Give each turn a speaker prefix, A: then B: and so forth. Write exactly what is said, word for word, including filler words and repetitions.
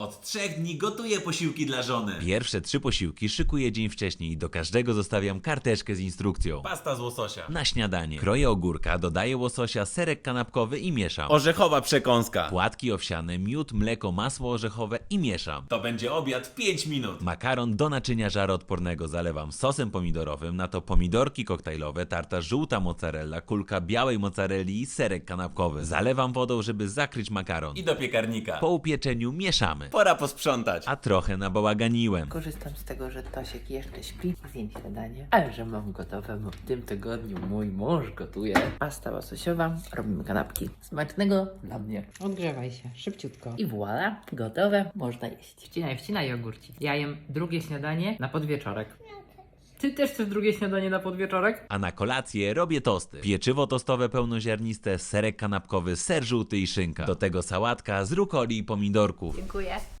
A: Od trzech dni gotuję posiłki dla żony.
B: Pierwsze trzy posiłki szykuję dzień wcześniej i do każdego zostawiam karteczkę z instrukcją.
A: Pasta z łososia.
B: Na śniadanie kroję ogórka, dodaję łososia, serek kanapkowy i mieszam.
A: Orzechowa przekąska.
B: Płatki owsiane, miód, mleko, masło orzechowe i mieszam.
A: To będzie obiad w pięć minut.
B: Makaron do naczynia żaroodpornego zalewam sosem pomidorowym, na to pomidorki koktajlowe, tarta żółta mozzarella, kulka białej mozzarelli i serek kanapkowy. Zalewam wodą, żeby zakryć makaron.
A: I do piekarnika.
B: Po upieczeniu mieszamy.
A: Pora posprzątać.
B: A trochę nabałaganiłem.
C: Korzystam z tego, że Tosiek jeszcze śpi, zjem śniadanie, ale że mam gotowe, bo w tym tygodniu mój mąż gotuje. Pasta łososiowa, robimy kanapki. Smacznego dla mnie.
D: Odgrzewaj się, szybciutko.
C: I voilà, gotowe, można jeść.
D: Wcinaj, wcinaj jogurci. Ja jem drugie śniadanie na podwieczorek. Ty też chcesz drugie śniadanie na podwieczorek?
B: A na kolację robię tosty. Pieczywo tostowe pełnoziarniste, serek kanapkowy, ser żółty i szynka. Do tego sałatka z rukoli i pomidorków.
C: Dziękuję.